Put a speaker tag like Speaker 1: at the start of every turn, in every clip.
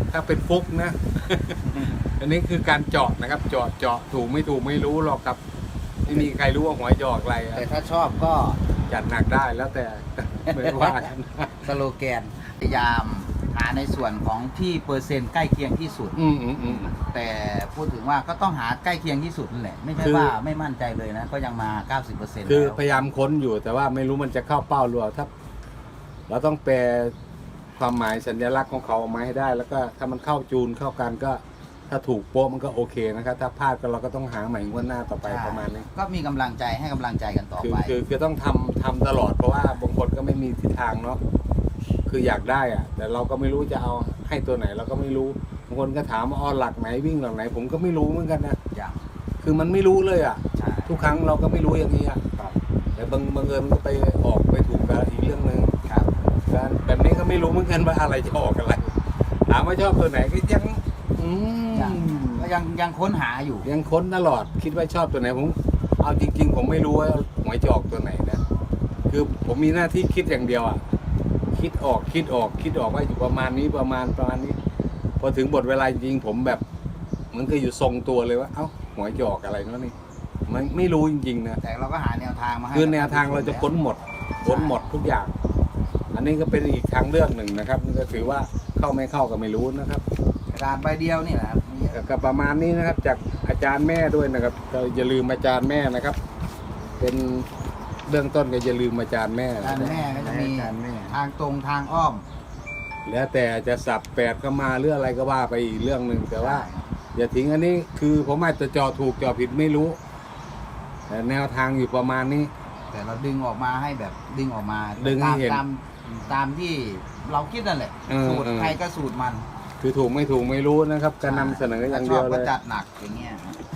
Speaker 1: ถ้าเป็นฟุกนะ อันนี้คือการเจาะนะครับ เจาะถูกไม่ถูกไม่รู้หรอกครับไม่มีใครรู้ว่าหวยจะออกอะไรอะ
Speaker 2: แต่ถ้าชอบก็
Speaker 1: จัดหนักได้แล้วแต่ ไม่ว่ากัน
Speaker 2: สโลแกนพยายามหาในส่วนของที่เปอร์เซ็นต์ใกล้เคียงที่สุด แต่พูดถึงว่าก็ต้องหาใกล้เคียงที่สุดนั่นแหละไม่ใช่
Speaker 1: คือ
Speaker 2: ว่าไม่มั่นใจเลยนะก็ยังมา 90%
Speaker 1: คือ
Speaker 2: แล้ว
Speaker 1: พยายามค้นอยู่แต่ว่าไม่รู้มันจะเข้าเป้าหรือเปล่าถ้าเราต้องแปลความหมายสัญลักษณ์ของเขาออกมาให้ได้ แล้วก็ถ้ามันเข้าจูนเข้ากันก็ถ้าถูกโป๊ะมันก็โอเคนะครับถ้าพลาดก็เราก็ต้องหาใหม่งวดหน้าต่อไปประมาณนี้
Speaker 2: ก็มีกำลังใจให้กำลังใจกันต่อไป
Speaker 1: คือต้องทำตลอดเพราะว่าบางคนก็ไม่มีทิศทางเนาะคืออยากได้อะแต่เราก็ไม่รู้จะเอาให้ตัวไหนเราก็ไม่รู้บางคนก็ถามว่าหลักไหนวิ่งหลักไหน ผมก็ไม่รู้เหมือนกันนะ
Speaker 2: อย่าง
Speaker 1: คือมันไม่รู้เลยอ่ะ
Speaker 2: ใช่
Speaker 1: ทุกครั้งเราก็ไม่รู้อย่างนี้อ่ะแต่บางเอิญมันก็ไปออกไปถูกกับอีกเรื่องหนึ่ง
Speaker 2: ครับ
Speaker 1: การแบบนี้ก็ไม่รู้เหมือนกันว่าอะไรจะออกอะไรถามว่าชอบตัวไหนก็ยัง
Speaker 2: ก็ยังค้นหาอยู่
Speaker 1: ยังค้นตลอดคิดว่าชอบตัวไหนผมเอาจริง ๆ ผมไม่รู้ว่าหวยจะออกตัวไหนนะคือผมมีหน้าที่คิดอย่างเดียวอ่ะคิดออกว่าอยู่ประมาณนี้ประมาณนี้พอถึงบทเวลาจริงผมแบบเหมือนก็อยู่ทรงตัวเลยว่าเอ้าหวยจะออกอะไรเนาะนี่มันไม่รู้จริงๆนะ
Speaker 2: แต่เราก็หาแนวทางมาให้
Speaker 1: คือแนวทางเราจะค้นหมดทุกอย่าง อันนี้ก็เป็นอีกทางเลือกหนึ่งนะครับนี่ก็ถือว่าเข้าไม่เข้าก็ไม่รู้นะครับ
Speaker 2: กระดาษใบเดียวนี่แหละครับ
Speaker 1: ก็ประมาณนี้นะครับจากอาจารย์แม่ด้วยนะครับก็อย่าลืมอาจารย์แม่นะครับ เป็นเบื้องต้นก็อย่าลืมอาจารย์แม่
Speaker 2: ด้านแม่ก็จะมี
Speaker 1: อาจารย์แม่
Speaker 2: ทางตรงทางอ้อม
Speaker 1: แล้วแต่จะสับแปดเข้ามาหรืออะไรก็ว่าไปอีกเรื่องหนึ่งแต่ว่า อย่าทิ้งอันนี้คือผมอาจจะจอถูกจอผิดไม่รู้ แต่แนวทางอยู่ประมาณนี้
Speaker 2: แต่เราดึงออกมาให้แบบดึงออกมา
Speaker 1: ดึงให้เห็น
Speaker 2: ตามที่เราคิดนั่นแหละ สูตรใครก็สูตรมัน
Speaker 1: คือถูกไม่ถูกไม่รู้นะครับการนำเสนออย่างเดียว
Speaker 2: ถ้ชบ
Speaker 1: เล
Speaker 2: ก็
Speaker 1: ย
Speaker 2: จัดหนักอย่างเงี้ย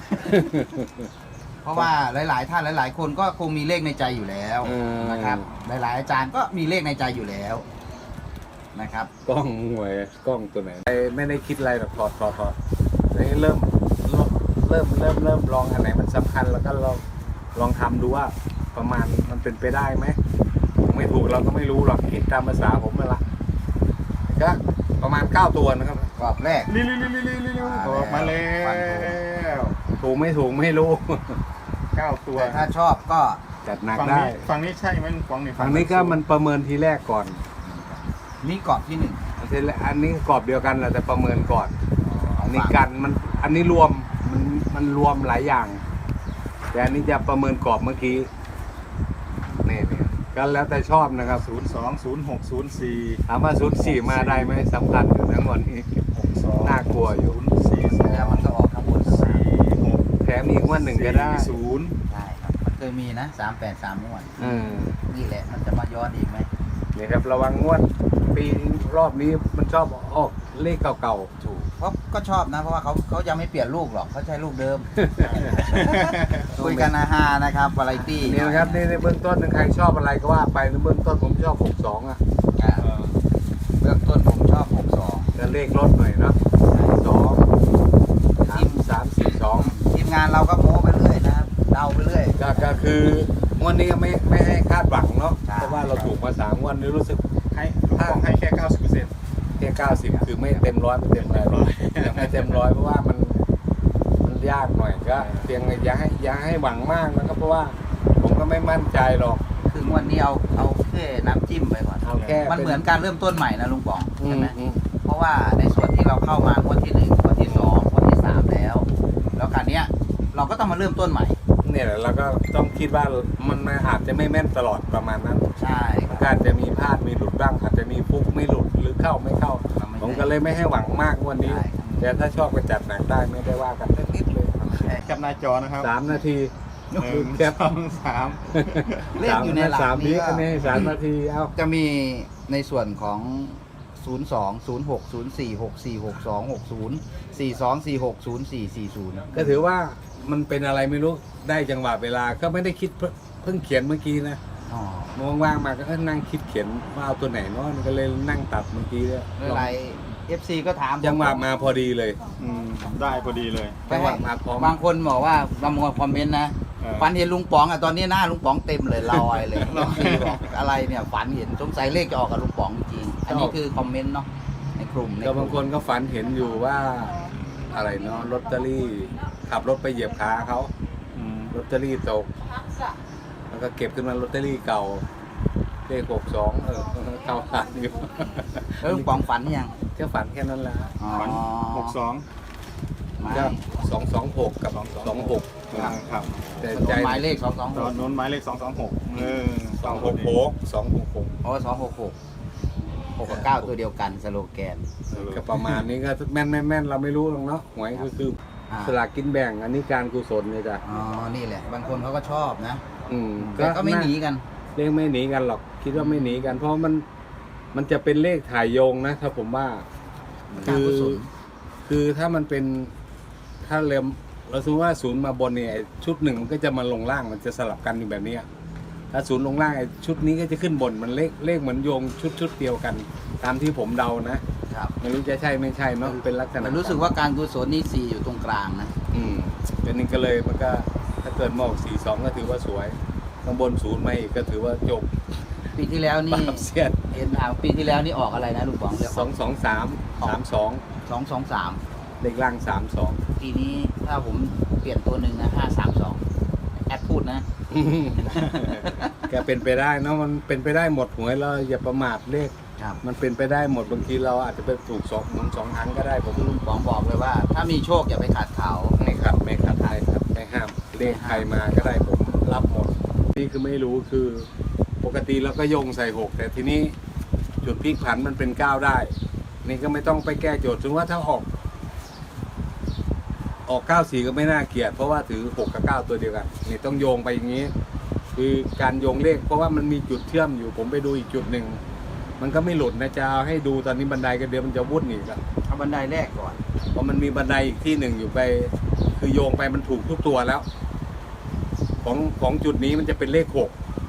Speaker 2: เพราะว่าหลายๆท่านหลายๆคนก็คงมีเลขในใจอยู่แล้วนะครับ หลายๆอาจารย์ก็มีเลขในใจอยู่แล้วนะครับ
Speaker 1: กล้องหวยกล้องตัวไหนไม่ได้คิดอะไรหรอกถอดนี่เริ่มลองอันไหนมันสำคัญแล้วก็ลองทำดูว่าประมาณมันเป็นไปได้ไหมถูกไม่ถูกเราก็ไม่รู้หรอกคิดตามภาษาผมนั่นละก็ประมาณ9ตัวนะครับ
Speaker 2: กรอบแรก
Speaker 1: ออกมาแล้ว ถูกไม่ถูกไม่รู้
Speaker 3: 9 ตัว
Speaker 2: แต่ถ้าชอบก็
Speaker 1: จัดหนัก
Speaker 3: ฝั่ง
Speaker 1: ได้
Speaker 3: นี้ฝั่งนี้ใช่ไหมฝั่งนี้
Speaker 1: ฝั่งนี้ก็มันประเมินทีแรกก่อน
Speaker 2: นี่กรอบที่หนึ่ง
Speaker 1: อันนี้กรอบเดียวกันแหละแต่ประเมินก่อน อันนี้กันอันนี้รวมมันรวมหลายอย่าง แต่อันนี้จะประเมินกรอบเมื่อกี้นี่ก็แล้วแต่ชอบนะครับ
Speaker 3: 02 06 04
Speaker 1: ถามว่า04มาได้ไหมสำคัญอยู่ทั้งหมดนี้
Speaker 3: 62
Speaker 1: น่ากลัวอยู่
Speaker 2: แล้วมันก็ออกข้างบน
Speaker 1: แถมอีกวันหนึ่งก็ได้
Speaker 3: 40
Speaker 2: ใช่ครับมันเคยมีนะ383งวด นี่แหละมันจะมาย้อนอีกไหม
Speaker 1: นี่ครับระวังงวดปีรอบนี้มันชอบออกเลขเก่า
Speaker 2: ถูกเพราะก็ชอบนะเพราะว่าเขายังไม่เปลี่ยนลูกหรอกเขาใช้ลูกเดิม คุยกันอาฮานะครับวาไรตี้
Speaker 1: ๆนี่นะครับนี่ในเบื้องต้นใครชอบอะไรก็ว่าไปในเบื้องต้นผมชอบ62อ่ะ
Speaker 2: เบื้องต้นผมชอบ62
Speaker 1: จะเลขลดหน่อยเนาะ3
Speaker 2: ทีมงานเราก็โม้ไปเรื่อยนะครับเดาไปเรื่อย
Speaker 1: ก็คืองวดนี้ก็ไม่ให้คาดหวังเนาะ
Speaker 2: ใช่
Speaker 1: เพราะว่าเราถูกมา3งวดนี้รู้สึก
Speaker 3: ให้ลูกบอลให้แค่ 90%
Speaker 1: แค่90คือไม่เต็มร้อยไม่เต็มร้อยยังไม่เต็มร้อยเพราะว่ามันยากหน่อยก็เพียงอย่าให้หวังมากนะครับเพราะว่าผมก็ไม่มั่นใจหรอก
Speaker 2: คืองวดนี้เอาแค่น้ำจิ้มไปก่อน
Speaker 1: เอาแค่
Speaker 2: มันเหมือนการเริ่มต้นใหม่นะลุงป๋อง
Speaker 1: อื
Speaker 2: ใช่
Speaker 1: ม
Speaker 2: ไหม
Speaker 1: อืม
Speaker 2: เพราะว่าในส่วนที่เราเข้ามางวดที่1งวดที่2งวดที่3แล้วการเนี้ยเราก็ต้องมาเริ่มต้นใหม่
Speaker 1: เนี่ยแหละเราก็ต้องคิดว่ามันอาจจะไม่แม่นตลอดประมาณนั้น
Speaker 2: ใช่
Speaker 1: มันก็อาจจะมีพลาดมีหลุดบ้างอาจจะมีฟุกไม่หลุดหรือเข้าไม่เข้า ผมก็เลยไม่ให้หวังมากวันนี้ แต่ถ้าชอบก็จัดหนักได้ไม่ได้ว่ากันสักนิดเลย
Speaker 3: แคปหน้าจอนะครับ
Speaker 1: 3 นาที
Speaker 3: 1
Speaker 1: แคป
Speaker 3: 2 3
Speaker 2: เลขอยู่ในหลัก
Speaker 1: 3
Speaker 2: นี้
Speaker 1: นี้
Speaker 2: ก็
Speaker 1: อันนี้3 นาทีเอา
Speaker 2: จะมีในส่วนของ 02 06 04 64 62 60 42 46 04 40
Speaker 1: ก็ถือว่ามันเป็นอะไรไม่รู้ได้จังหวะเวลาก็ไม่ได้คิดเพิ่งเขียนเมื่อกี้นะ
Speaker 2: อ๋อ
Speaker 1: ว่างๆมาก็นั่งคิดเขียนว่าเอาตัวไหนเนาะก็เลยนั่งตัดเมื่อกี้เลย
Speaker 2: หลาย FC ก็ถาม
Speaker 1: จังหวะมาพอดีเลย
Speaker 3: ได้พอดีเลย
Speaker 1: จังหวะมาพร้อม
Speaker 2: บางคนบอกว่าบางคนคอมเมนต์นะ ฝันเห็นลุงป๋องอ่ะตอนนี้หน้าลุงป๋องเต็มเลยลอยเลยบอกอะไรเนี่ยฝันเห็นสงสัยเลขจะออกกับลุงป๋องจริงอันนี้คือคอมเมนต์เนาะในกลุ่ม
Speaker 1: ก็บางคนก็ฝันเห็นอยู่ว่าอะไรเนาะลอตเตอรี่ขับรถไปเหยียบขาเขา
Speaker 3: อืม
Speaker 1: ลอตเตอรี่ตกแล้วก็เก็บขึ้นมาลอตเตอรี่เก่าเลข62เข้าผ่านอยู่
Speaker 2: แล้วลุงป๋องฝันยัง
Speaker 1: แค่ฝันแค่นั้นแหละ
Speaker 2: อ๋อ
Speaker 3: ฝัน62
Speaker 2: ไม่
Speaker 1: ก็226กับ26
Speaker 3: ครับ
Speaker 1: แต่
Speaker 2: ถน
Speaker 1: ใจ
Speaker 2: นหมายเลข
Speaker 3: ตอนโน้นหมายเลข226
Speaker 1: 266
Speaker 2: อ๋อ266 6กับ9ตัวเดียวกันสโลแกน
Speaker 1: ก็ประมาณนี้ก็แม่นเราไม่รู้หรอกเนาะหวยก็คือ
Speaker 2: อ่า
Speaker 1: สลากกินแบ่งอันนี้การกุศลเนี่ยจ้ะ
Speaker 2: อ๋อ นี่แหละ บางคนเขาก็ชอบนะ
Speaker 1: ก็
Speaker 2: แต่ก็ไม่หนีกัน
Speaker 1: เลขไม่หนีกันหรอกคิดว่าไม่หนีกัน เพราะมันจะเป็นเลขถ่ายโยงนะถ้าผมว่า
Speaker 2: การกุศล
Speaker 1: คือถ้ามันเป็นถ้าเราสมมติว่าศูนย์มาบนเนี่ยชุดหนึ่งมันก็จะมาลงล่างมันจะสลับกันอยู่แบบเนี้ยถ้าศูนย์ลงล่างไอ้ชุดนี้ก็จะขึ้นบนมันเลขเหมือนโยงชุดเดียวกัน ตามที่ผมเดานะครับ ไม่รู้จะใช่ไม่ใช่เนาะเป็นลักษณะ
Speaker 2: แต่รู้สึกว่าการกุศลนี่4อยู่ตรงกลางนะ
Speaker 1: เป็นนี่ก็เลยมันก็ถ้าเกิดมอง42ก็ถือว่าสวยข้างบนศูนย์มาอีกก็ถือว่าจบ
Speaker 2: ปีที่แล้ว
Speaker 1: ป
Speaker 2: นี่
Speaker 1: ราบเสียด
Speaker 2: เห็นปีที่แล้วนี่ออกอะไรนะลุงป๋องเรียก
Speaker 1: 223
Speaker 2: 223
Speaker 1: เลขล่าง32
Speaker 2: ปีนี้ถ้าผมเปลี่ยนตัวหนึ่งนะ532แอดพูดนะ
Speaker 1: แกเป็นไปได้เนาะมันเป็นไปได้หมดหวยเราอย่าประมาทเลข
Speaker 2: ครับ
Speaker 1: มันเป็นไปได้หมดบางทีเราอาจจะไปถูกสองครั้งก็ได้ผม
Speaker 2: ลุงป๋องบอกเลยว่า ถ้ามีโชคอย่าไปขัดเขา
Speaker 1: ไม่ขัดไม่ห้ามเลขใครมาก็ได้ผมรับหมดนี่คือไม่รู้คือปกติเราก็โยงใส่6แต่ทีนี้จุดพลิกผันมันเป็น9ได้นี่ก็ไม่ต้องไปแก้โจทย์ถึงว่าถ้าออก94ก็ไม่น่าเกลียดเพราะว่าถือ6กับ9ตัวเดียวกันนี่ต้องโยงไปอย่างนี้ คือการโยงเลขเพราะว่ามันมีจุดเชื่อมอยู่ผมไปดูอีกจุดหนึ่งมันก็ไม่หลุดนะจะเอาให้ดูตอนนี้บันไดก็เดี๋ยวมันจะวุ่นอีกอะ
Speaker 2: เอาบันไดแรกก่อน
Speaker 1: เพราะมันมีบันไดอีกที่หนึ่งอยู่ไป คือโยงไปมันถูกทุกตัวแล้ว ของจุดนี้มันจะเป็นเลข6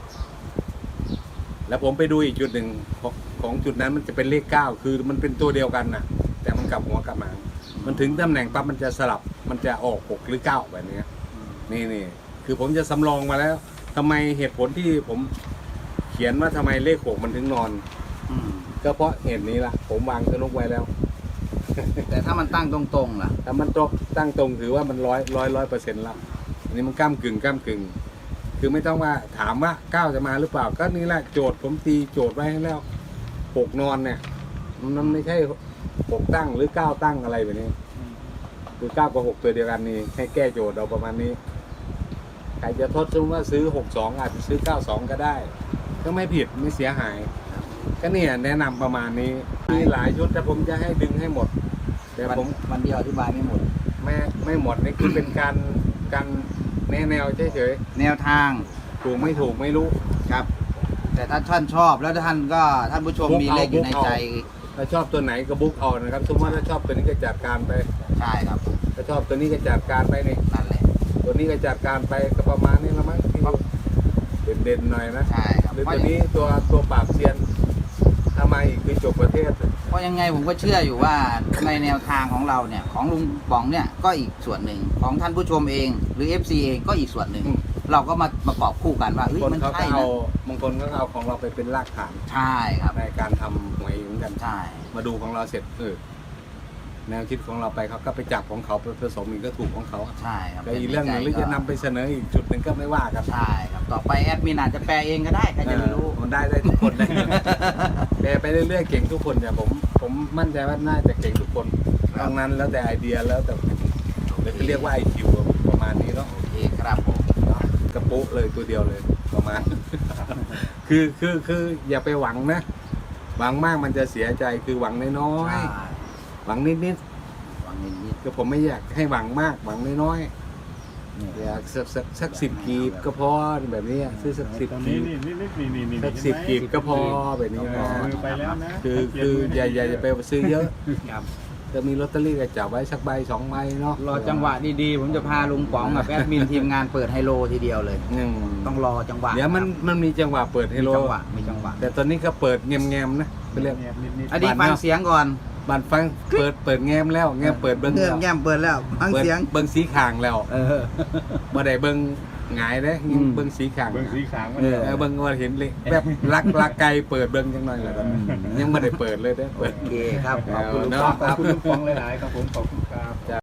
Speaker 1: แล้วผมไปดูอีกจุดหนึ่งของจุดนั้นมันจะเป็นเลข9คือมันเป็นตัวเดียวกันนะแต่มันกลับหัวกลับหางมันถึงตำแหน่งปั๊บมันจะสลับมันจะออก6หรือ9แบบนี้นี่คือผมจะสำรองมาแล้วทำไมเหตุผลที่ผมเขียนว่าทำไมเลข6มันถึงนอน
Speaker 2: อืม
Speaker 1: ก็เพราะเหตุนี้ล่ะผมวางสนุกไว้แล้ว
Speaker 2: แต่ถ้ามันตั้งตรงๆล่ะ
Speaker 1: ถ้ามันตั้งตรงถือว่ามัน100%แล้วอันนี้มันก้ากึ่งคือไม่ต้องว่าถามว่า9จะมาหรือเปล่าก็นี่แหละโจทย์ผมตีโจทย์ไว้ให้แล้ว6นอนเนี่ยมันไม่ใช่6ตั้งหรือ9ตั้งอะไรแบบนี้คือ9กับ6ตัวเดียวกันนี่ให้แก้โจทย์เราประมาณนี้ใครจะทดสมมติว่าซื้อ62อาจจะซื้อ92ก็ได้ ก็ไม่ผิดไม่เสียหายก็เนี่ยแนะนำประมาณนี้มีหลายชุดแต่ผมจะให้ดึงให้หมดแต่ผม
Speaker 2: วันเดียวอธิบายไม่หมด
Speaker 1: ไม่หมดนี่คือเป็นการแนวเฉย
Speaker 2: แนวทาง
Speaker 1: ๆถูกไม่ถูกไม่รู้
Speaker 2: ครับ แต่ถ้าท่านชอบแล้วท่านผู้ชมมีเลขอยู่ในใจ
Speaker 1: ถ้าชอบตัวไหนก็บุ๊กเอานะครับสมมติว่าถ้าชอบตัวนี้ก็จัดการไป
Speaker 2: ใช่ครับ
Speaker 1: ถ้าชอบตัวนี้ก็จัดการไปนี่
Speaker 2: นั่นแหละ
Speaker 1: ตัวนี้ก็จัดการไปก็ประมาณนี้ละมั้งที่เด่นๆหน่อยนะ
Speaker 2: ใช่ครับ
Speaker 1: หรือตัวนี้ตัวปราบเซียนทำไมอีกคือจบประเทศ
Speaker 2: เพราะยังไงผมก็เชื่ออยู่ว่าในแนวทางของเราเนี่ยของลุงป๋องเนี่ยก็อีกส่วนหนึ่งของท่านผู้ชมเอง หรือ FC เองก็อีกส่วนหนึ่ง เราก็มาประกอบคู่กันว่าเฮ้ย
Speaker 1: คน
Speaker 2: มัน
Speaker 1: เขาก็
Speaker 2: ใช่
Speaker 1: เอา
Speaker 2: นะ
Speaker 1: บางคนก็เอาของเราไปเป็นรากฐาน
Speaker 2: ใช่ครับ
Speaker 1: ในการทำหวยเหมือนกัน
Speaker 2: ใช่
Speaker 1: มาดูของเราเสร็จแนวคิดของเราไปเขาก็ไปจับของเขาไปผสมอีกก็ถูกของเขา
Speaker 2: ใช่ครับ
Speaker 1: แต่อีกเรื่องหนึ่งหรือจะนำไปเสนออีกจุดหนึ่งก็ไม่ว่ากัน
Speaker 2: ใช่ครับต่อไปแอดมินอาจจะแปลเองก็ได้ใครจะไม่รู้
Speaker 1: มันได้ทุกคนได้แปลไปเรื่อยๆเก่งทุกคนเนี่ยผมมั่นใจว่าน่าจะเก่งทุกคนตรงนั้นแล้วแต่ไอเดียแล้วแต่เรียกว่า IQ ประมาณนี้เนาะ
Speaker 2: โอเคครับผม
Speaker 1: กระปุกเลยตัวเดียวเลยประมาณ คืออย่าไปหวังนะหวังมากมันจะเสียใจคือหวังน้อย
Speaker 2: ใช่
Speaker 1: ๆหวังนิด
Speaker 2: หวังนิด
Speaker 1: ๆก็ผมไม่อยากให้หวังมากหวังน้อย
Speaker 2: ๆนี่
Speaker 1: ๆอยากสัก10 กีบก็พอแบบนี้ซื้อสัก10
Speaker 3: ตอน
Speaker 1: กี
Speaker 3: นี้
Speaker 1: บ
Speaker 3: นี่
Speaker 1: สัก
Speaker 3: เห็นไหม
Speaker 1: 10 กีบก็พอแบบนี้
Speaker 3: เอา
Speaker 1: นะ
Speaker 3: มือไปแล้วนะ
Speaker 1: คืออย่าไปซื้อเยอะ
Speaker 2: ครับ
Speaker 1: จะมีลอตเตอรี่ก็จับไว้สักใบ2 ใบเนาะ
Speaker 2: รอจังหวะดีๆผมจะพาลุงป๋องกับแอดมินทีมงานเปิดไฮโลทีเดียวเลย ต้องรอจังหวะ
Speaker 1: เดี๋ยวมันมีจังหวะเปิดให้
Speaker 2: มี
Speaker 1: โล
Speaker 2: จังหวะมีจังหวะ
Speaker 1: แต่ตอนนี้ก็เปิดแงมๆนะไปเรียก
Speaker 2: อันนี้ฟังเสียงก่อน
Speaker 1: บันฟังเปิดแงมแล้วแงมเปิดเบิ้ง
Speaker 2: เงื่อ
Speaker 1: แล้ว
Speaker 2: แง้มเปิดแล้วฟังเสียง
Speaker 1: เบิ้งสีขางแล้ว
Speaker 2: เออ
Speaker 1: บ่ได้เบิ้งหงายเด้เบิ่งสีขาง
Speaker 3: เบิ้งสีขางมัน
Speaker 1: เบิ่งว่าเห็นเลยแบบลักไกลเปิดเบิ่งจังหน่อยแล้วก็ยังไม่ได้เปิดเลยเด้อเปิด
Speaker 2: โอเคครับขอบคุณลุง
Speaker 1: เนาะ
Speaker 2: ป๊อก
Speaker 3: ขอบคุณลุงปองหลายๆครับผมขอบคุณครับ